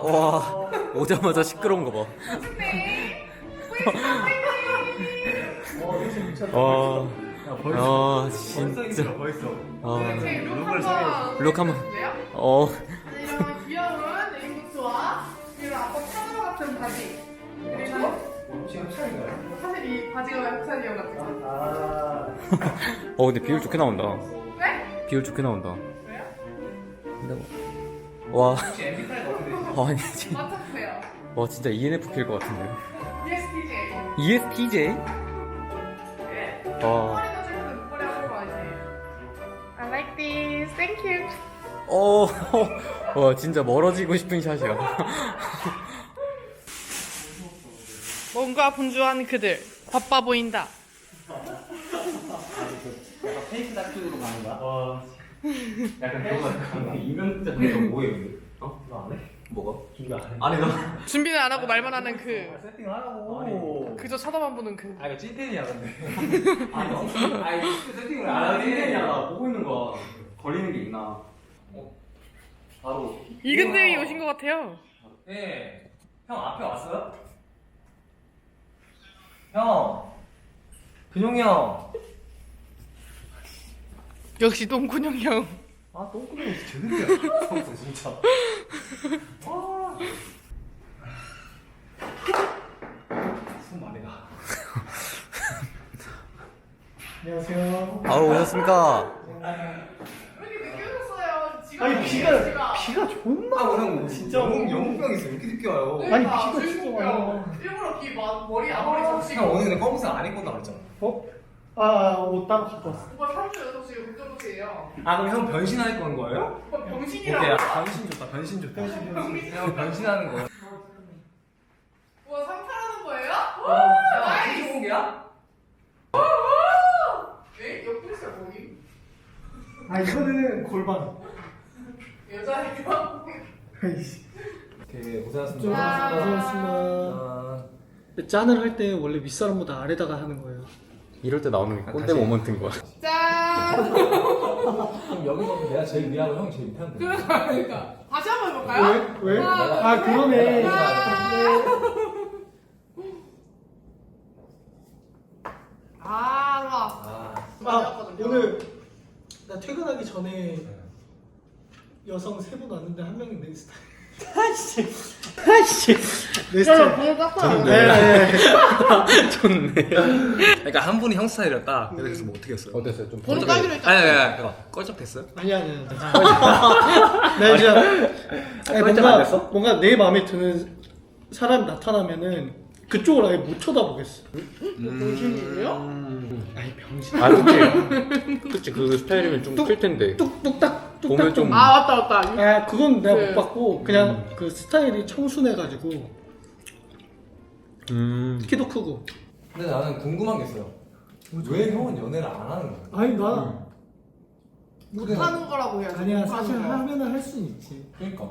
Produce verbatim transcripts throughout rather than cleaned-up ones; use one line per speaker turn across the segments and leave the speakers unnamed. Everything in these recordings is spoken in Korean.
와 오자마자 시끄러운 거 봐. 와, 아 진짜. 아, 룩 한번. 어.
이런 귀여운 레인부츠와 이런 아빠 파도 같은 바지. 그리고
지금 차인가요?
사실 이 바지가 협찬이어 가지고.
아.
어 근데 비율 좋게 나온다.
네?
비율 좋게 나온다.
왜요?
근데 뭐- 와.
혹시 엠피파이가 어떻게 되세요?
아, 아니 진짜.
맞춰주세요.
와 진짜 이엔에프피일 것 같은데.
이에스티제이.
이에스티제이?
네.
와.
머리 넣어주면 목걸이 하는 거 아니에요? I like this. Thank you.
어. 와 진짜 멀어지고 싶은 샷이야.
뭔가 분주한 그들. 바빠 보인다.
약간 페이크 다큐로 가는 거야? 와. 약간 그런 거 같아. 이명자 그거 뭐해 근데? 어? 너 안 해? 뭐가? 준비 안 해? 아니 너
준비는 안 하고 말만 하는 그.
세팅을 하라고.
그저 쳐다만 보는 그.
아 이거 찐텐이야 근데. 아니 너 아니 세팅을 안 하는 찐텐이야. 나 보고 있는 거야. 걸리는 게 있나? 어? 바로.
이근대이 오신 것 같아요.
네. 형 앞에 왔어요? 형. 근용이 형.
역시 똥군형 형.
아 똥구멍이 제대로야. 진짜. 와. 숨 많이 가. 안녕하세요.
아 오셨습니까?
왜 이렇게 늦게 오셨어요? 지금
아니 비가 비가 존나
아 오늘 진짜 영웅 영웅병 있어. 왜 이렇게 늦게 와요?
아니, 비가 진짜 와요.
일부러 귀 마, 머리 앞머리 적시고.
형 오늘 근데 검은색 안 입고 나왔잖아.
어? 아옷 따로 갖고 왔어.
오빠 삼주 여섯 시 운전도시예요.
아 그럼 형 변신할 건 거예요?
오빠
오케이.
병신이라고.
아, 변신 좋다. 변신 좋다. 형 변신하는 거.
우와 상탈하는 거예요?
형
나이스.
무슨 공개야?
에? 옆구리살 뭐임?
아 이거는 골반.
여자애가?
아이씨.
오케이 고생하셨습니다.
아.
고생하셨습니다.
아,
짠을 할 때 원래 윗사람보다 아래다가 하는 거예요.
이럴 때 나오는 게 꼰대
다시.
모먼트인 거야.
짠!
그럼 여기 보면 내가 제일 위하고 형이 제일 밑한데.
그러니까 그러니까 다시 한 번 해볼까요?
왜? 왜?
하나,
아 그러네.
아 좋아.
아,
아 오늘 나 퇴근하기 전에 여성 세 분 왔는데 한 명이 내 스타일. 아씨, 아씨, 내 스타일.
보여 깎아.
네, 네.
좋네.
그러니까 한 분이 형 스타일이었다. 그래서 뭐 어떻게 했어요?
어땠어요? 좀
번호
번쩍-
따기로
아니
했잖아.
아니 아니 잠깐 껄쩍댔어요?
아니야, 아니야. 나 진짜 아니,
꼴찌 안
뭔가
됐어?
뭔가 내 마음에 드는 사람이 나타나면은 그쪽을 아예 못 쳐다보겠어.
병신이에요?
아니 병신.
아 그치. 그치 그 스타일이면 좀 클 텐데.
뚝뚝딱 뚝딱
보면 좀-
아 맞다 맞다.
아 그건 내가
그-
못 봤고 그냥 그 스타일이 청순해가지고
음.
키도 크고.
근데 나는 궁금한 게 있어요. 왜 형은 연애를 안 하는 거야?
아니 나
못하는 거라고 해야지.
아니야
못하는
사실
거.
하면은 할 수는 있지.
그러니까.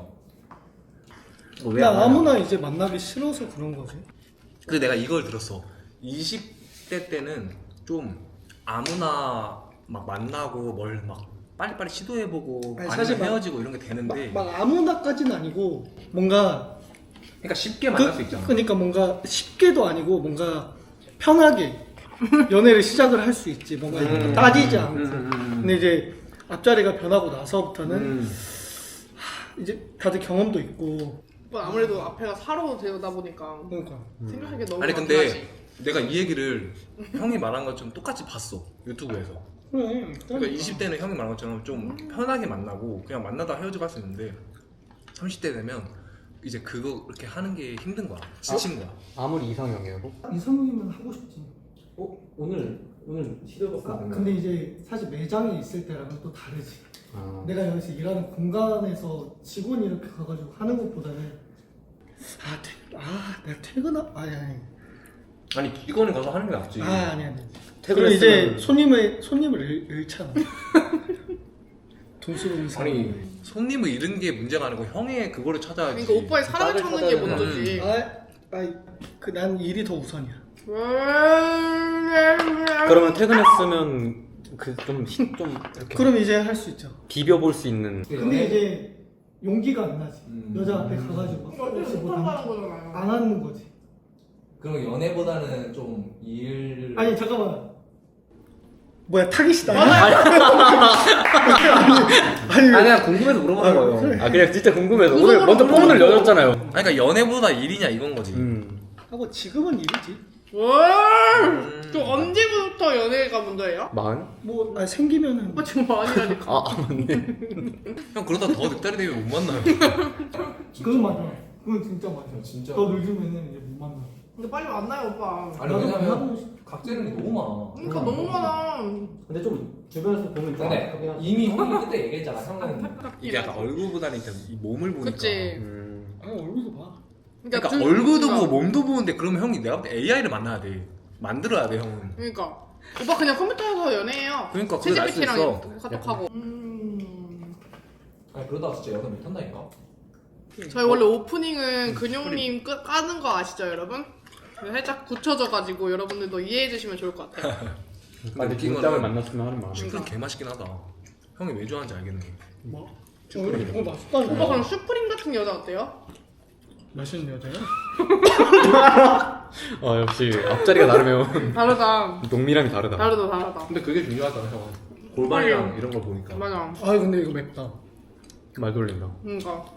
그냥 아무나 이제 만나기 싫어서 그런 거지.
근데 내가 이걸 들었어. 이십 대 때는 좀 아무나 막 만나고 뭘 막 빨리빨리 시도해보고
아니,
아니면
사실 막-
헤어지고 이런 게 되는데
막, 막 아무나까지는 아니고 뭔가
그러니까 쉽게 만날
그,
수 있잖아.
그러니까 뭔가 쉽게도 아니고 뭔가 편하게 연애를 시작을 할 수 있지. 뭔가
음.
따지지 않고.
음, 음, 음.
근데 이제 앞자리가 변하고 나서부터는
음.
이제 다들 경험도 있고.
오빠 아무래도 앞에가 사로 되다 보니까
그러니까
생각할 게 너무
아니
많긴
근데
하지.
내가 이 얘기를 형이 말한 것좀 똑같이 봤어 유튜브에서.
그래.
그러니까 이십 대는 형이 말한 것처럼 좀 편하게 만나고 그냥 만나다 헤어지고 할 수 있는데 삼십 대 되면 이제 그거 이렇게 하는 게 힘든 거야. 지친 거야.
아무리 이상형이어도.
이성이면 하고 싶지.
어 오늘 오늘 시도해봤어.
아, 근데 이제 사실 매장에 있을 때랑은 또 다르지.
아.
내가 여기서 일하는 공간에서 직원이 이렇게 가가지고 하는 것보다는 아, 퇴, 아 내가 퇴근하 아니 아니
아니 이거는 가서 하는 게 낫지.
아 아니 아니. 그럼
퇴근했으면-
이제 손님을 손님을 잃, 잃잖아. 돈 쓰고 있는 사람.
아니 손님을 잃은 게 문제가 아니고 형의 그거를 찾아야지.
그러니까 오빠의 사랑을
나를
찾는 게
찾아야
먼저지.
아, 아이 그난 일이 더 우선이야.
그러면 퇴근했으면 그 좀 좀 이렇게
그럼 이제 할 수 있죠.
비벼볼 수 있는.
근데 이제 용기가 안 나지.
음.
여자한테 가가지고
어쩔
혹시
수
뭐
못한다는 거잖아요.
안 하는 거지.
그럼 연애보다는 좀 일.
아니 잠깐만. 뭐야 타깃이다.
맞아요.
아니
아니 그냥 궁금해서 물어보는 거예요.
그래.
아 그냥 진짜 궁금해서
그거
오늘 먼저
물어보고.
폰을 열었잖아요.
아니 그러니까 연애보다 일이냐 이건 거지.
음.
하고 지금은 일이지.
와.
음.
저 언제부터 연애가 먼저예요?
만?
뭐 아니, 생기면은
오빠 지금 아니라니까.
아, 아 맞네.
형 그러다 더 늑다리 되면 못 만나요.
그건 맞아. 그건 진짜 맞아.
진짜.
더 늙으면은 이제 못 만나.
근데 빨리 만나요 오빠.
아니
나도
왜냐면
만나고 싶-
각재는 게 너무 많아.
그러니까 너무 많아.
근데 좀 주변에서 보면 좀
근데
안타깝긴 하지.
이미 형이 그때 얘기했잖아. 형은 이게 약간 얼굴보다는 일단 이 몸을 보니까.
그치.
음.
아 얼굴도 봐.
그러니까
둘-
얼굴도
그러니까.
보고 몸도 보는데 그러면 형이 내가 볼 때 에이아이를 만나야 돼. 만들어야 돼 형은.
그러니까 오빠 그냥 컴퓨터에서 연애해요.
그러니까 그게 나을 수 있어.
채지피티랑 카톡하고. 음.
아니 그러다가 진짜 여자 못 한다니까.
저희 원래 오프닝은 근용님 끄, 까는 거 아시죠 여러분? 살짝 굳혀져가지고 여러분들도 이해해 주시면 좋을 것 같아요.
근데 느낀
문짝을
거는
만났으면 하는 마음.
슈프림 개 맛있긴 하다. 형이 왜 좋아하는지 알겠네.
뭐? 오늘 오늘 맛있다니까.
오빠 그럼 슈프림 같은 여자 어때요?
맛있는 여자야?
아 역시 앞자리가 다르면
다르다.
농미람이 다르다.
다르다 다르다.
근데 그게 중요하다 형은. 골반이랑 이런 걸 보니까.
맞아.
아 근데 이거 맵다.
말 돌린다.
그러니까.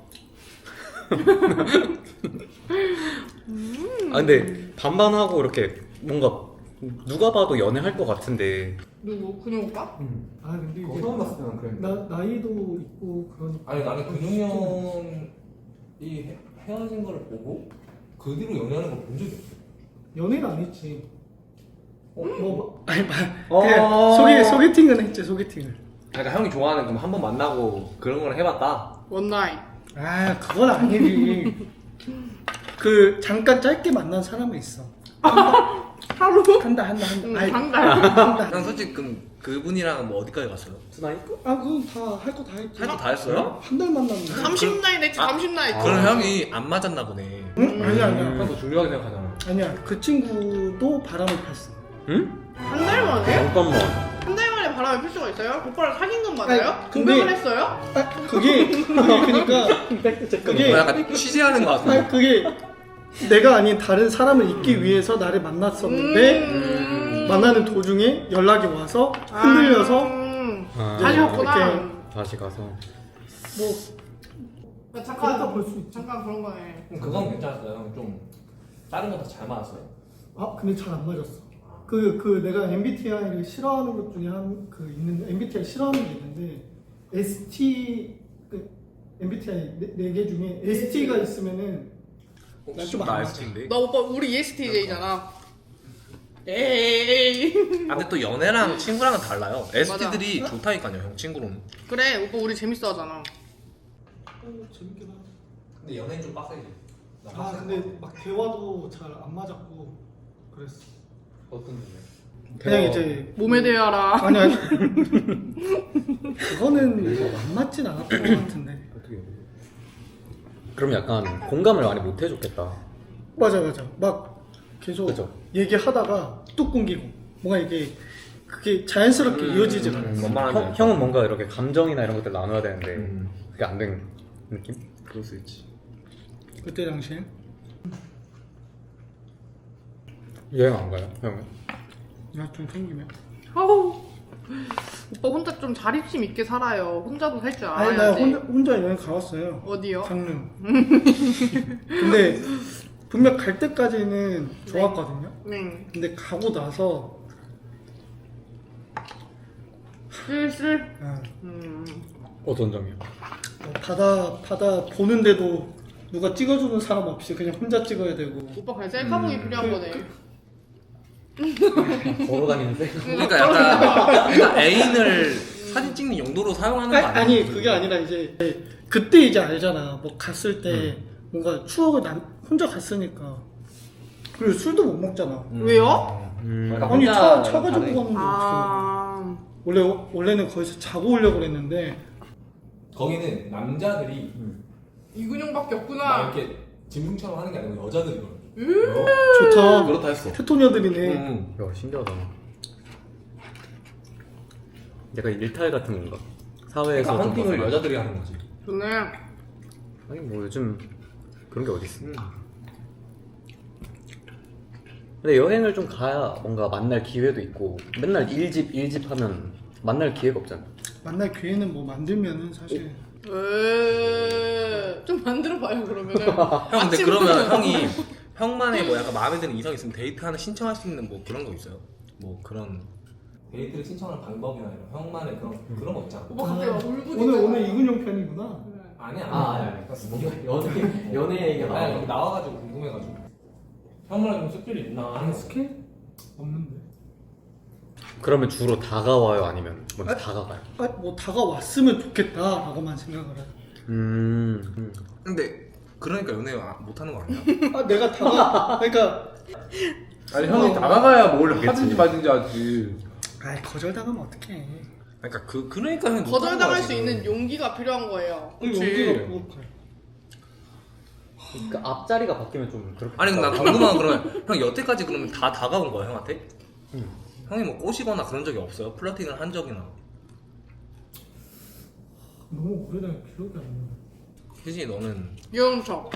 아 근데 반반하고 이렇게 뭔가 누가 봐도 연애할 것 같은데.
누구? 근용 오빠?
아 근데 이게
처음 봤을 때는 그래.
나 나이도 있고 그러니까.
아니 나는 근용이 형이 헤- 헤어진 거를 보고 그 뒤로 연애하는 걸 본 적이 없어.
연애는 안 했지. 어, 뭐 아니 말
어.
그냥 소개 소개팅은 했지 소개팅을.
그러니까 형이 좋아하는 그럼 한 번 만나고 그런 걸 해봤다.
원나잇.
아 그건 아니지. 그 잠깐 짧게 만난 사람은 있어.
하루?
한다 한다 한다.
응,
아이,
한 달.
한다.
형 솔직히 그럼 그분이랑 뭐 어디까지 갔어요?
수나이?
아 그건 다 할 거 다 했지.
할 거 다 했어요?
한 달 만났는데.
삼십 나잇 했지 삼십 나잇.
아.
그럼 형이 안 맞았나 보네.
응? 아니야 아니야.
형도 중요하게 생각하잖아.
아니야 그 친구도 바람을 폈어.
응?
한 달 만에?
잠깐만.
한 달 만에 바람을 필 수가 있어요? 오빠랑 사귄 건 맞아요?
아니, 근데-
고백을 했어요?
아 그게 그게 그러니까 그게
뭐 약간 취재하는 거 같은데.
아니 그게 내가 아닌 다른 사람을 잊기 위해서 나를 만났었는데
음.
만나는 도중에 연락이 와서 흔들려서
음.
아,
다시 갔구나.
이렇게.
다시 가서.
뭐
아,
그렇다
잠깐
볼 수 있지.
잠깐 그런 거네.
그럼 그건 괜찮았어요. 형 좀 다른 거 다 잘 맞았어요.
아 근데 잘 안 맞았어. 그 그 내가 엠비티아이를 싫어하는 것 중에 한 그 있는 엠비티아이 싫어하는 게 있는데 에스티 그 엠비티아이 네 개 중에 에스티가 있으면은 난 좀 안
나
맞아.
에스티인데.
너 오빠 우리 이에스티제이잖아. 에이.
아 근데 또 연애랑 친구랑은 달라요. 에스티들이 좋다니까요, 형 친구로는.
그래 오빠 우리 재밌어 하잖아.
어, 재밌긴 하다.
근데 연애는 좀 빡세지.
아 근데 막 대화도 잘 안 맞았고 그랬어.
어떤 분이요?
그냥 이제
몸에 대하라.
아니 아니 그거는 안 맞진 않았던 것 같은데.
어떻게?
그럼 약간 공감을 많이 못 해줬겠다.
맞아 맞아 막 계속
그죠.
얘기하다가 뚝 끊기고 뭔가 이게 그게 자연스럽게
음,
이어지질
음,
않았어.
뭔 말하는지
형,
알죠.
형은 뭔가 이렇게 감정이나 이런 것들 나눠야 되는데
음.
그게 안 된 느낌?
그럴 수 있지.
그때 당시엔
여행 안 가요, 형은?
나 좀 생기면.
아우. 오빠 혼자 좀 자립심 있게 살아요. 혼자도 살 줄
아니 나
알아야지.
혼자 혼자 여행 가봤어요.
어디요?
강릉. 근데 분명 갈 때까지는 좋았거든요.
네.
근데 가고 나서
슬슬.
아,
음.
어떤 점이요?
뭐 바다 바다 보는데도 누가 찍어주는 사람 없이 그냥 혼자 찍어야 되고.
오빠 그냥 셀카봉이
음.
필요한
그-
거네.
걸어 다니는데?
그러니까 약간 그러니까 애인을 사진 찍는 용도로 사용하는 거
아니,
아니야?
아니 그게 아니라 이제 그때 이제 알잖아. 뭐 갔을 때 뭔가 추억을 남, 혼자 갔으니까. 그리고 술도 못 먹잖아.
왜요?
음.
약간
아니
혼자
차, 차 가지고
가네.
가는데 어떻게
아.
원래 원래는 거기서 자고 오려고 그랬는데
거기는 남자들이
이근용밖에
막
없구나.
이렇게 짐승처럼 하는 게 아니고 여자들이 그런.
좋다.
그렇다 했어.
테토녀들이네.
음.
야, 신기하다. 약간 일탈 같은 건가? 사회에서
그러니까
좀
헌팅을
벗어나.
여자들이 하는 거지.
좋네.
아니 뭐 요즘 그런 게 어디 있어?
음.
근데 여행을 좀 가야 뭔가 만날 기회도 있고 맨날 일집 일집 하면 만날 기회가 없잖아.
만날 기회는 뭐 만들면은 사실
에이, 좀 만들어봐요 그러면은.
형 근데
아침부터-
그러면 형이 형만의 뭐 약간 마음에 드는 이성 있으면 데이트 하나 신청할 수 있는 뭐 그런 거 있어요? 뭐 그런
데이트를 신청하는 방법이나 이런 형만의 그런 그런 거 있잖아.
오빠 갑자기 막 울고
오늘 오늘 이근용 편이구나.
아니야.
아, 아니, 아니. 연애, 연애 얘기가
아니
나와.
여기 나와가지고 궁금해가지고. 형만의 좀 스킬이 있나 하는 거.
스킬 없는데.
그러면 주로 다가와요 아니면 먼저 다가가요?
아, 뭐 다가왔으면 좋겠다라고만 생각을 해.
음, 음.
근데 그러니까 연애 아- 못하는 거 아니야?
아 내가 다가 그러니까
아니 형이 다가가야 뭘
그치.
하든지 말든지 하지.
아 거절 당하면 어떡해.
그러니까 그 그러니까 형이 못하는
거절당할
거야,
수
지금.
있는 용기가 필요한 거예요.
그치.
여기가 부족해.
그러니까 앞자리가 바뀌면 좀 그렇게.
아니 근데 나 궁금한 건 그러면 형 여태까지 그러면 다 다가온 거야 형한테?
응.
형이 뭐 꼬시거나 그런 적이 없어요? 플러팅을 한 적이나?
너무 오래된 기억이 안 나.
혜진이 너는
유영석.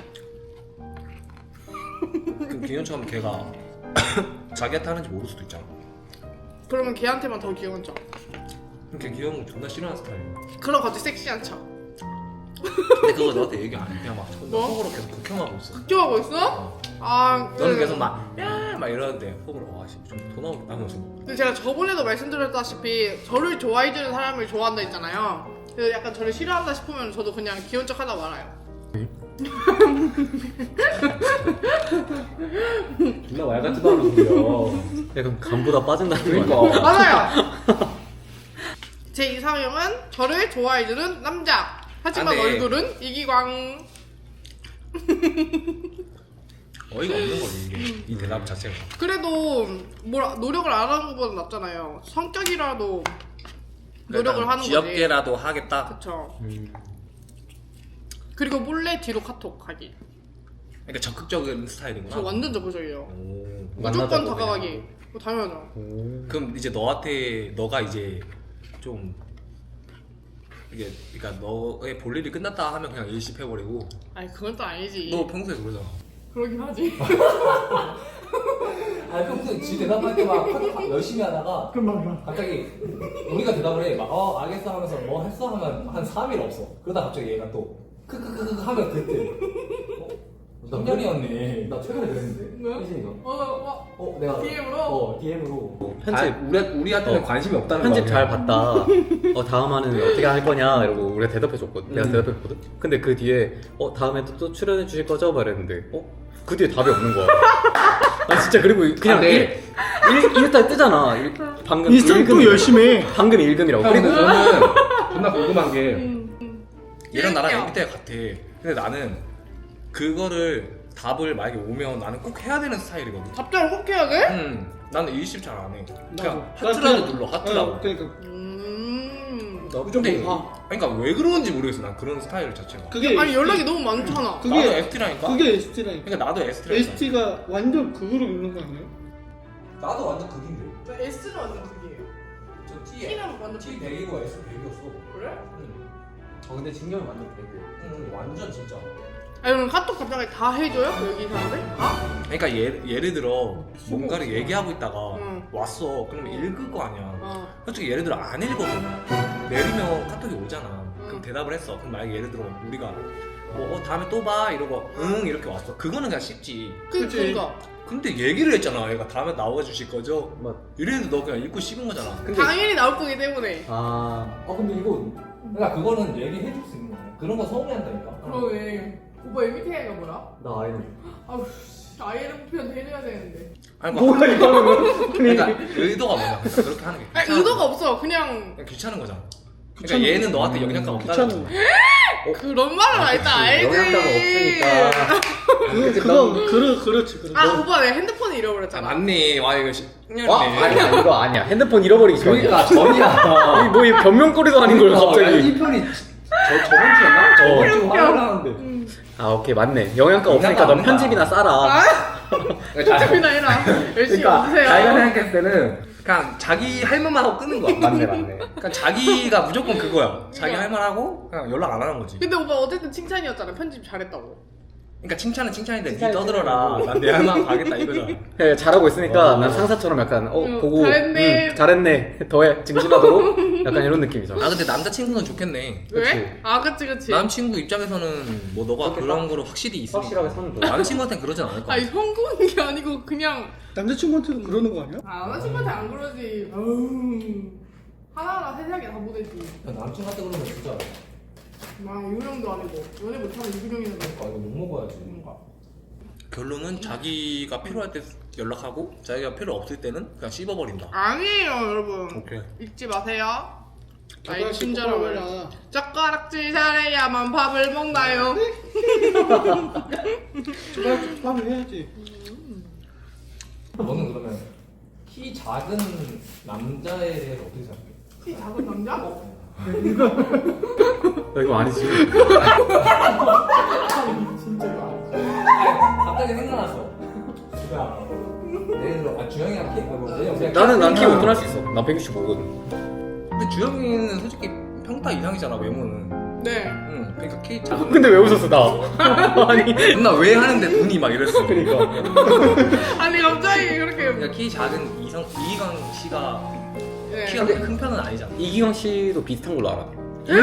그 기현처럼 걔가 자기한테 하는지 모를 수도 있잖아.
그러면 걔한테만 더 귀여운 척.
그럼 걔 귀여운 거 존나 싫어하는 스타일이야.
그럼 갑자기 섹시한 척.
근데 그거 너한테 얘기 안 해. 그냥 막
뭐?
속으로 계속 극혐하고 있어.
걱정하고 있어?
어.
아,
너는
그-
계속 막 야 막 이러는데 속으로 와씨 좀돈 나오겠다 하면서.
근데 제가 저번에도 말씀드렸다시피 저를 좋아해주는 사람을 좋아한다 했잖아요. 그래서 약간 저를 싫어한다 싶으면 저도 그냥 귀여운 척 하다 말아요.
존나 말 같지도 않은 소리야.
약간 간보다 빠진다는 거 아니야?
그러니까.
맞아요. 제 이상형은 저를 좋아해주는 남자. 하지만
아, 네.
얼굴은 이기광.
어이가 없는 거지 이게 이 대답 자체가.
그래도 뭘 노력을 안 하는 것보다 낫잖아요. 성격이라도 노력을 하는 거지.
귀엽게라도 하겠다.
그쵸.
음.
그리고 몰래 뒤로 카톡 하기.
그러니까 적극적인 스타일이구나.
저 완전 적극적이에요.
오.
무조건
만나자고
다가가기.
그냥.
뭐 당연하죠.
오.
그럼 이제 너한테 너가 이제 좀 이게 그러니까 너의 볼 일이 끝났다 하면 그냥 일십해버리고.
아니 그건 또 아니지.
너 평소에 그러잖아.
그러긴 하지.
아니 평소에 지 대답할 때 막 열심히 하다가
금방
갑자기 우리가 대답을 해. 막 어 알겠어 하면서 뭐 했어 하면 한 삼 일 없어. 그러다 갑자기 얘가 또 크크크크 하면 그때 어? 성년이었네.
나 최근에 그랬는데.
뭐야?
혜진이가.
어, 어,
어, 내가.
디엠으로?
어, 디엠으로.
편집
아, 우리 우리한테는
어.
관심이 없다는
편집
거
잘
아니야?
봤다. 어 다음 화는 어떻게 할 거냐 이러고 우리가 대답해줬거든. 내가
음.
대답했거든. 근데 그 뒤에 어 다음에 또, 또 출연해 주실 거죠? 말했는데 어 그 뒤에 답이 없는 거야. 아 진짜 그리고 그냥
아, 네.
일, 일, 일단 뜨잖아. 일, 방금
인스타를 또
일금이라고.
열심히 해.
방금 일금이라고.
형, 근데
그리고
저는 존나 궁금한 게
음, 음.
얘랑 나랑
재밌게요.
엠비티아이 같아. 근데 나는 그거를 답을 만약에 오면 나는 꼭 해야 되는 스타일이거든.
답장을 꼭 해야 돼?
음, 나는 일십 잘 안 해. 그냥
나도.
하트라도
나 그냥-
눌러, 하트라고.
어, 그러니까
음.
나
근데
무조건 봐.
그러니까 왜 그런지 모르겠어. 난 그런 스타일 자체가.
그게
아니 연락이 너무 많잖아.
그게-
나도 에스티라니까.
그게 에스티라니까.
그러니까 나도 에스티라니까.
에스티가 완전 극으로 있는 거 아니에요?
나도 완전 극인데.
저 S는 완전 극이에요.
저 T에
T는 완전
T 백이고 S 백이었어.
그래?
어, 근데 진경이 완전 배그야.
응 완전 진짜.
아니 그럼 카톡 답장을 다 해줘요? 여기 사람들? 다?
그러니까 예, 예를 들어 뭔가를 얘기하고 있다가
응.
왔어. 그러면 읽을 거 아니야.
어.
솔직히 예를 들어 안 읽거든. 내리면 카톡이 오잖아. 그럼
응.
대답을 했어. 그럼 만약에 예를 들어 우리가 뭐 어, 다음에 또 봐 이러고 응 이렇게 왔어. 그거는 그냥 쉽지.
그,
그치.
그니까.
근데 얘기를 했잖아. 얘가 다음에 나와 주실 거죠?
맞.
이래도 너 그냥 읽고 씹은 거잖아.
근데
당연히 나올 거기 때문에.
아
아 근데 이거 그러니까 그거는 얘기해 줄 수 있는 거야. 그런 거 서운해한다니까.
그러게. 오빠 엠비티아이가 뭐야?
나 아이는
아우 씨. 아이엠피는 해줘야 되는데.
아니
뭐야
뭐,
이거는.
그러니까 의도가 뭐냐? 그러니까 그렇게 하는 게
아니
귀찮아.
의도가 없어. 그냥
그냥 귀찮은 거잖아.
귀찮은
그러니까 얘는 너한테 영향감 없다는
귀찮은
거야.
그런 말은 알지 알지.
영향가가 없으니까.
그, 그거 그르 그렇지 그렇지.
아 오빠 내 핸드폰
아,
잃어버렸잖아.
맞니? 와 이거 십년이네.
와 아니야 이거 아니야. 핸드폰 잃어버리기 전이야.
그러니까 전이야.
이뭐 변명거리도 아닌 걸 갑자기.
이 편이 저 저번 주였나? 저번 주 화요일 하는데.
음.
아 오케이 맞네. 영양가 없으니까
영양가
넌
없는
편집이나 싸라.
아? 편집이나 해라. 열심히
그러니까
해주세요.
자기가 생각했을 때는
그냥 자기 할 말만 하고 끄는 거야.
맞네 맞네.
그러니까 자기가 무조건 그거야. 자기 할 말 하고 그냥 연락 안 하는 거지.
근데 오빠 어쨌든 칭찬이었잖아. 편집 잘했다고.
그러니까 칭찬은 칭찬인데 니 떠들어라. 난 내 할 만 가겠다 이거잖아.
예, 잘하고 있으니까
어.
난 상사처럼 약간 어
응,
보고
잘했네.
음, 잘했네 더해 증진하도록 약간 이런 느낌이잖아.
아 근데 남자친구는 좋겠네.
왜?
그치.
아 그치 그치.
남친구 입장에서는 뭐 너가 그런 거로 확실히 있으니까
확실하게 사는 거야.
남친구한테는 그러진 않을 거야.
아니 성공한 게 아니고 그냥
남자친구한테도 그러는 거 아니야?
아 남자친구한테 안 그러지. 어우. 하나하나 세세하게 다 보내지.
남친한테 그러면 진짜
막 유명도 아니고 연애 못하면 유명이는
아 이거 욕 먹어야지.
뭔가.
결론은 자기가 필요할 때 연락하고 자기가 필요 없을 때는 그냥 씹어버린다.
아니에요 여러분.
오케이.
잊지 마세요. 나의
젓가락질
친절함을.
똑바로 해라.
젓가락질 잘해야만 밥을 먹나요?
젓가락질 하면 해야지.
너는 그러면 키 작은 남자에 대해서 어떻게 생각해?
키 작은 남자?
너 이거 아니지?
진짜 이거 아니지.
아 갑자기 생각났어. 야, 예를 들어 아 주영이랑 키 뭐, 왜냐면 그냥
나는 난 키
크니까
오픈할 수 있어. 난 백육십오거든.
근데 주영이는 솔직히 평타 이상이잖아 외모는.
네.
응. 그러니까 키 작은.
근데 왜 웃었어 나? 아니
나 왜 하는데 눈이 막 이랬어.
그러니까.
아니 갑자기 그렇게.
그러니까 키 작은 이성 이희강 씨가
네.
키가 그렇게 큰 편은 아니잖아.
이기광 씨도 비슷한 걸로 알아.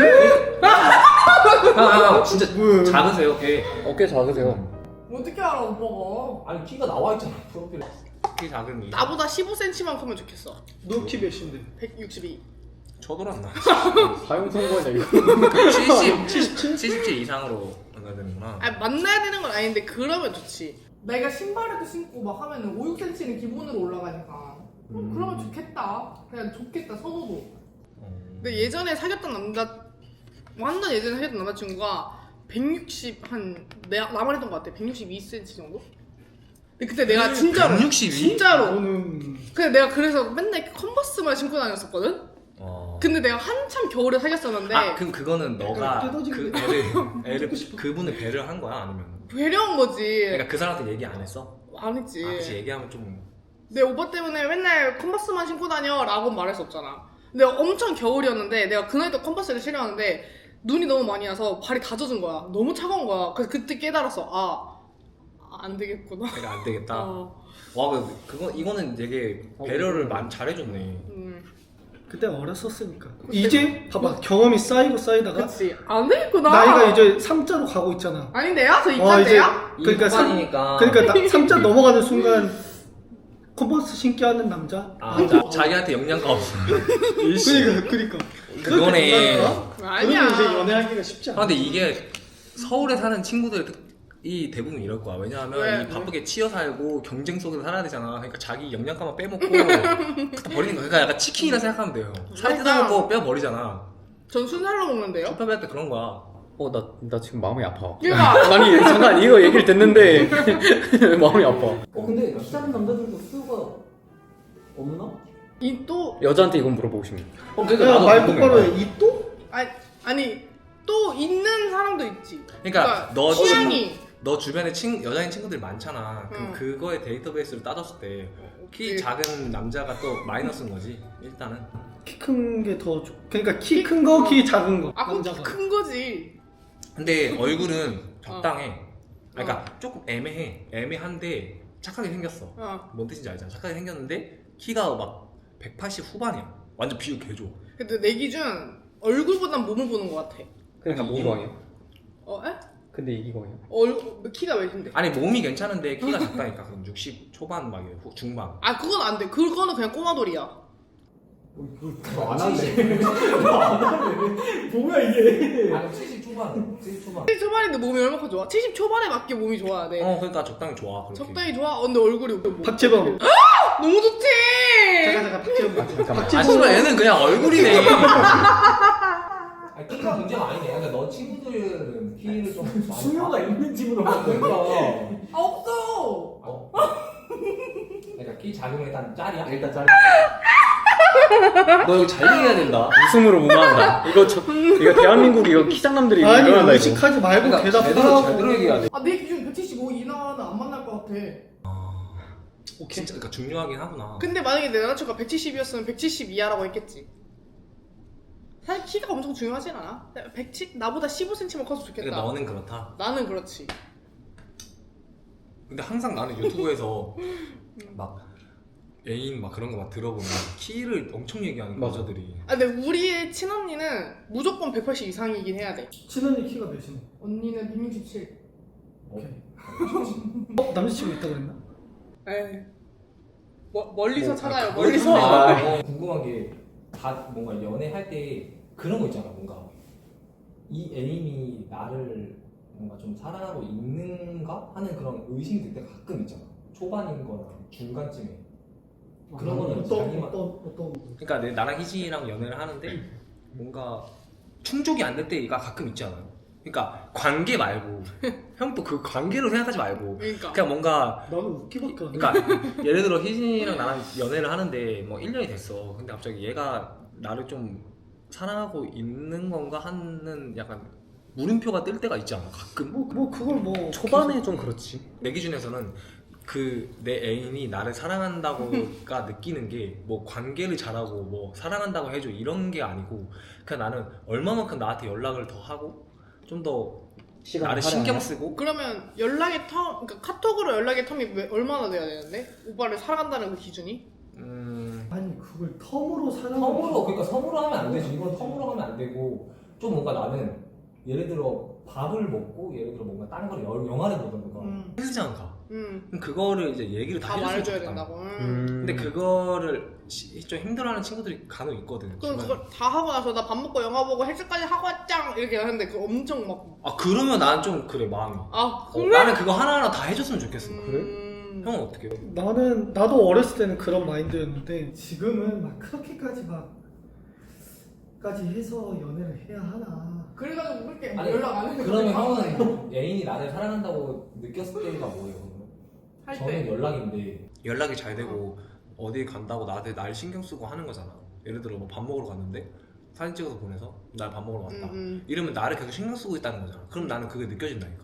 아, 아, 진짜 작으세요, 꽤.
어깨 작으세요.
어떻게 알아 오빠가?
아니 키가 나와 있잖아 프로필에.
키 작은 이.
나보다 십오 센티미터만 크면 좋겠어.
너 키 몇인데?
백육십이.
쳐돌았나?
사용 선고냐 이거.
칠십, 칠십칠, 칠십칠 이상으로 만나야 되는구나.
아니 만나야 되는 건 아닌데 그러면 좋지. 내가 신발에도 신고 막 하면은 오, 육 센티미터는 기본으로 올라가니까. 어, 그러면 좋겠다. 그냥 좋겠다 선호도. 근데 예전에 사귀었던 남자 완전 예전에 사귀었던 남자친구가 백육십 한 내가 나만 했던 것 같아. 백육십이 센티미터 정도? 근데 그때 내가 진짜로
백육십이?
진짜로.
너는
근데 내가 그래서 맨날 컨버스만 신고 다녔었거든.
어.
근데 내가 한참 겨울에 사귀었었는데
아, 그럼 그거는 너가
뜯어지게
그 애를, 애를 그분을 배려한 거야 아니면?
배려한 거지.
그러니까 그 사람한테 얘기 안 했어?
안 했지.
아, 그치 얘기하면 좀.
내 오빠 때문에 맨날 컨버스만 신고 다녀 라고 말할 수 없잖아. 근데 엄청 겨울이었는데 내가 그날도 컨버스를 신었는데 눈이 너무 많이 와서 발이 다 젖은 거야. 너무 차가운 거야. 그래서 그때 깨달았어. 아, 안 되겠구나.
내가 안 되겠다.
어,
와, 그 그거 이거는 되게 배려를 많이 잘해줬네.
음,
그때 어렸었으니까. 이제 봐봐 경험이 쌓이고 쌓이다가
그치. 안 되겠구나.
나이가 이제 삼자로 가고 있잖아.
아닌데요? 저
와, 이제
이과인데요?
그러니까 삼
이니까
그러니까 나, 삼자 넘어가는 순간 컨버스 신게 하는 남자.
아, 자, 자기한테 영양가 없어. 일시.
그러니까 그러니까.
그거네.
아니야.
그러면 이제 연애하기가 쉽지
아,
않아.
근데 이게 서울에 사는 친구들이 대부분 이럴 거야. 왜냐하면
왜?
이 바쁘게 치여 살고 경쟁 속에서 살아야 되잖아. 그러니까 자기 영양가만 빼먹고 갖다 버리는 거야. 그러니까 약간 치킨이라 생각하면 돼요. 살
그러니까.
뜯어먹고 빼 버리잖아.
전 순살로 먹는데요?
쇼핑할 때 그런 거야.
어 나 나 지금 마음이 아파.
그러니까
아니 잠깐 이거 얘기를 듣는데 마음이 아파.
어 근데 키 작은 남자들도 수요가 없나?
이 또
여자한테 이건 물어보고 싶네.
어
내가 말 똑바로 해. 이 또?
아니, 아니 또 있는 사람도 있지.
그러니까 너
취향이
너 주변에 친 여자인 친구들이 많잖아. 그럼
응.
그거의 데이터베이스를 따졌을 때 키
그치.
작은 남자가 또 마이너스인 거지. 일단은.
키 큰 게 더 좋. 그러니까 키 큰 거, 키 작은 거.
아 그럼
남자가.
큰 거지.
근데 얼굴은 적당해.
어.
그러니까 조금 애매해. 애매한데 착하게 생겼어.
어.
뭔 뜻인지 알잖아. 착하게 생겼는데 키가 막 백팔십 후반이야. 완전 비율 개좋아.
근데 내 기준 얼굴보단 몸을 보는 것 같아.
그러니까 이기광이야.
어? 에?
근데 이기광이야.
얼 키가 몇인데?
아니 몸이 괜찮은데 키가 작다니까. 그럼 육십 초반 막 이래, 중반.
아 그건 안 돼. 그거는 그냥 꼬마돌이야.
안 할래.
뭐야 이게?
아니 칠십 초반, 칠십 초반.
칠십 초반인데 몸이 얼마나 좋아? 칠십 초반에 맞게 몸이 좋아야 돼.
어 그러니까 적당히 좋아. 그렇게.
적당히 좋아? 어, 근데 얼굴이 뭐-
박재범.
너무 좋지.
잠깐 잠깐 박재범.
잠깐만.
아 씨발 얘는 그냥 얼굴이네.
아니 키가 문제가 아니네. 그러니까 너 친구들은 키를 좀 많이
수요가
봐.
있는 집으로
아 그러니까.
아 없어.
어. 그러니까 키 작으면 일단 짤이야.
일단 짤. 너 이거 잘 얘기해야 된다. 웃음으로 무마한다. 이거 저 이거 대한민국 이거 키장남들이 이거
아니
일어난다 이거.
의식하지 말고
그러니까 제대로
대답하라고.
제대로 얘기해야 돼.
아 내 기준 백칠십오 이하는 안 만날 것 같아.
진짜 그러니까 중요하긴 하구나.
근데 만약에 내 남자친구가 백칠십이었으면 백칠십 이하라고 했겠지. 사실 키가 엄청 중요하진 않아. 백칠 나보다 십오 센티미터만 커서 좋겠다.
그러니까 너는 그렇다.
나는 그렇지.
근데 항상 나는 유튜브에서 막 애인 막 그런 거 막 들어보면 키를 엄청 얘기하는
맞아.
여자들이.
아 근데 우리의 친언니는 무조건 백팔십 이상이긴 해야 돼.
친언니 키가 몇이네?
언니는 백육십칠.
오케이. 어? 남자친구 있다고 그랬나?
에이. 뭐, 멀리서
뭐,
찾아요.
아,
멀리서.
아,
어, 궁금한 게 다 뭔가 연애할 때 그런 거 있잖아. 뭔가 이 애인이 나를 뭔가 좀 사랑하고 있는가 하는 그런 의심이 들 때 가끔 있잖아. 초반인거나 중간쯤에 그런 거는
어떤
자기만
어떤 어떤
그러니까 내 나랑 희진이랑 연애를 하는데 뭔가 충족이 안 될 때가 가끔 있지 않아요? 그러니까 관계 말고 형 또 그 관계로 생각하지 말고
그러니까.
그냥 뭔가
나는 웃기밖에 안 해.
그러니까 예를 들어 희진이랑 나랑 연애를 하는데 뭐 일 년이 됐어. 근데 갑자기 얘가 나를 좀 사랑하고 있는 건가 하는 약간 물음표가 뜰 때가 있지 않아? 가끔?
뭐, 뭐 그걸 뭐
초반에 좀 그렇지.
내 기준에서는 그 내 애인이 나를 사랑한다고가 느끼는 게 뭐 관계를 잘하고 뭐 사랑한다고 해줘 이런 게 아니고 그냥 나는 얼마만큼 나한테 연락을 더 하고 좀 더 나를 신경 쓰고
그러면 연락의 텀, 그러니까 카톡으로 연락의 텀이 왜- 얼마나 돼야 되는데? 오빠를 사랑한다는 그 기준이?
음
아니 그걸 텀으로 사는
텀으로 그러니까 텀으로 하면 안 되지. 이건 텀으로 하면 안 되고 좀 뭔가 나는 예를 들어 밥을 먹고 예를 들어 뭔가 다른 걸 여- 영화를 보던가
음.
헬스장 가.
음.
그럼 그거를 이제 얘기를 다
다
해줬으면
말해줘야
좋겠다.
된다고. 음.
음.
근데 그거를 시- 좀 힘들어하는 친구들이 간혹 있거든.
그럼
주변에.
그걸 다 하고 나서 나 밥 먹고 영화 보고 헬스까지 하고 왔짱 이렇게 하는데 그 엄청 막.
아 그러면 난 좀 그래 마음이.
아
어,
그래?
나는 그거 하나하나 다 해줬으면 좋겠어.
음...
형은 어떻게 해?
나는 나도 어렸을 때는 그런 마인드였는데 지금은 막 그렇게까지 막 까지 해서 연애를 해야 하나.
그래가지고 그렇게
아니,
연락 안 해.
그러면 형은 애인이 나를 사랑한다고 느꼈을 때가 뭐예요? 그러면?
할
저는
때.
연락인데
연락이 잘 되고 어디 간다고 나한테 날 신경 쓰고 하는 거잖아. 예를 들어 뭐 밥 먹으러 갔는데 사진 찍어서 보내서 날 밥 먹으러 왔다.
음, 음.
이러면 나를 계속 신경 쓰고 있다는 거잖아. 그럼 나는 그게 느껴진다니까.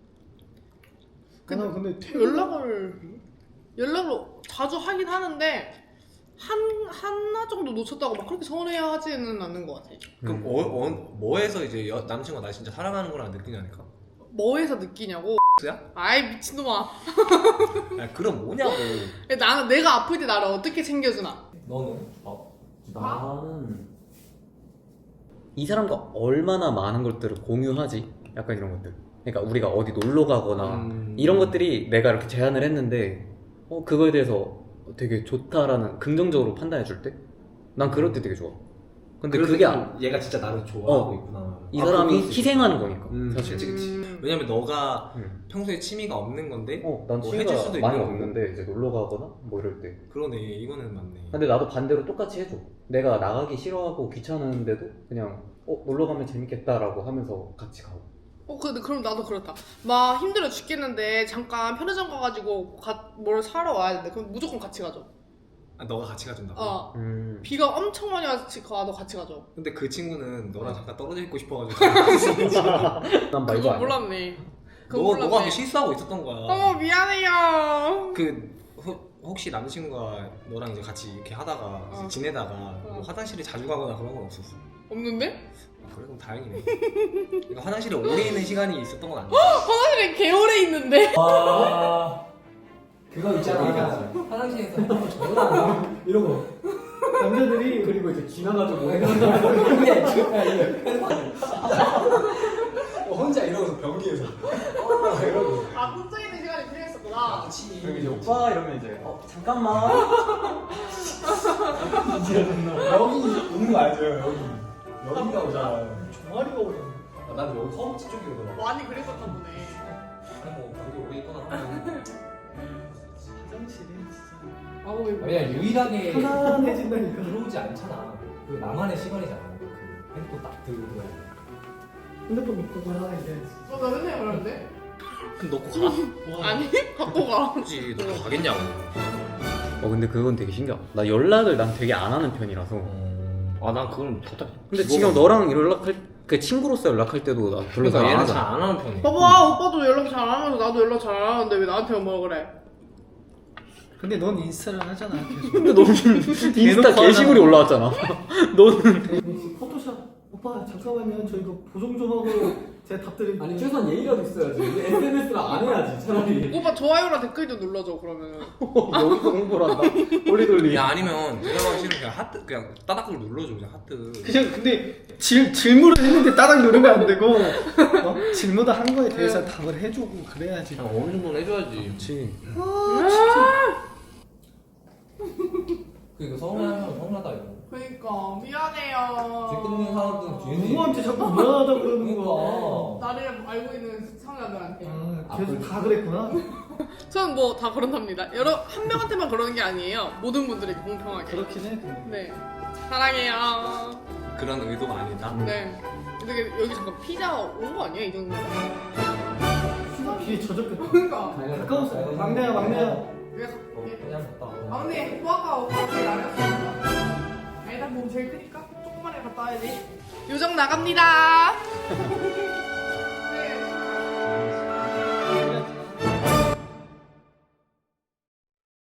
근데, 근데 퇴-
연락을 연락을 자주 하긴 하는데 한 하나 정도 놓쳤다고 막 그렇게 서운해하지는 않는 것 같아.
그럼
음.
어, 어, 뭐에서 이제 여, 남친과 나 진짜 사랑하는 거랑 느끼냐니까?
뭐에서 느끼냐고?
야?
아이 미친놈아.
아 그럼 뭐냐고.
나는 내가 아플 때 나를 어떻게 챙겨주나?
너는? 어?
나는 이 사람과 얼마나 많은 것들을 공유하지? 약간 이런 것들. 그러니까 우리가 어디 놀러 가거나
음.
이런 것들이 내가 이렇게 제안을 했는데 어 그거에 대해서 되게 좋다라는 긍정적으로 판단해 줄 때? 난 그럴 때 되게 좋아. 근데 그게 아-
얘가 진짜 나를 좋아하고
어.
있구나.
이
아,
사람이
그럴 수
희생하는 거니까
음,
사실.
그치 그치.
음.
왜냐면 너가
음.
평소에 취미가 없는 건데
어, 난
뭐
취미가
해줄 수도
많이
있는 거고.
없는데 이제 놀러 가거나 뭐 이럴 때.
그러네. 이거는 맞네.
근데 나도 반대로 똑같이 해줘. 내가 나가기 싫어하고 귀찮은데도 그냥 어 놀러 가면 재밌겠다라고 하면서 같이 가고.
어 근데 그럼 나도 그렇다. 막 힘들어 죽겠는데 잠깐 편의점 가가지고 가, 뭘 사러 와야 되는데 그럼 무조건 같이 가죠.
아, 너가 같이 가준다고?
어.
음.
비가 엄청 많이 와서 가도 같이 가죠.
근데 그 친구는 너랑 잠깐 떨어져 있고 싶어가지고
난 말도
그거
안 해.
몰랐네. 그거
너,
몰랐네.
너가 그렇게 실수하고 있었던 거야.
어머 미안해요.
그 호, 혹시 남친구가 너랑 이제 같이 이렇게 하다가
어.
이제 지내다가
어.
뭐 화장실에 자주 가거나 그런 건 없었어?
없는데?
아, 그래 그럼 다행이네. 그러니까 화장실에 오래 있는 시간이 있었던 건 아니야.
화장실에 개오래 있는데.
아 그거 있잖아. 화장실에서 전화
이러고 남자들이
그리고 이제 지나가지고 어, 혼자 이러고서 변기에서 이러고
아 혼자 있는 시간이 필요했었구나.
그리고 이제 오빠 이러면 이제 어 잠깐만 여기 오는 거 알죠? 여기 여기가 오잖아.
종아리가 오네.
아, 나도 여기 허벅지 쪽이 오더라고.
많이 그랬었나 보네.
아니 뭐 거기 오래 있거나 하면
화장실이 진짜
아우 왜
그냥 유일하게
편안해진다니까.
들어오지 않잖아. 그 나만의 시간이잖아. 그 핸드폰 딱 들고 들어야 돼.
핸드폰 믿고 가라 이제.
어, 나 맨날 그러는데?
그럼 놓고 가.
아니 갖고 가.
굳이 놓고 가겠냐고.
어 근데 그건 되게 신기하다. 나 연락을 난 되게 안 하는 편이라서.
아 난 그건 답답해.
근데 지금 너랑 연락할 그 친구로서 연락할 때도 나 별로
그러니까
잘 안
얘는
하잖아.
잘 안 하는 편이야.
봐봐 오빠도 연락 잘 안 하면서 나도 연락 잘 안 하는데 왜 나한테만 뭐라 그래?
근데 넌 인스타를 하잖아 계속.
근데 너는 인스타
대놓고
게시물이
하잖아.
올라왔잖아. 너는
포토샵 오빠 잠깐만요 저 이거 보정 좀 하고 제가 답드릴게요.
아니 최소한 예의라도 있어야지. 에스엔에스를 안 해야지 차라리.
오빠 좋아요랑 댓글 좀 눌러줘 그러면은.
여기서 홍보를 한다. 돌리 돌리.
야 아니면 대답하기 싫으면 그냥 하트 그냥 따닥을 눌러줘 그냥 하트.
그냥 근데 질, 질문을 했는데 따닥 누르면 안 되고 어? 질문을 한 거에 대해서 답을 해주고 그래야지.
그냥 어느 정도는 해줘야지.
그렇지.
아 진짜.
그리고 서운해하면 서운하다 이거.
그러니까 미안해요.
댓글 읽는 사람들은 뒤에서
누구한테 자꾸 미안하다 그러는 거야.
그러니까.
나를 알고 있는 시청자들한테.
아 계속 다 그랬구나.
저는 뭐 다 그런답니다. 여러 한 명한테만 그러는 게 아니에요. 모든 분들에게 공평하게.
그렇긴 해. 근데.
네. 사랑해요.
그런 의도가 아니다.
네. 근데 여기 잠깐 피자 온 거 아니야 이 정도?
비에 젖었겠다.
그러니까.
가까웠어. 막내야 막내야.
내가
어,
갈게.
그냥 갔다 와.
막내 후아가 같이 나갔으니까. 아니다 몸 제일 크니까 조금만 해 갔다 와야지. 요정 나갑니다.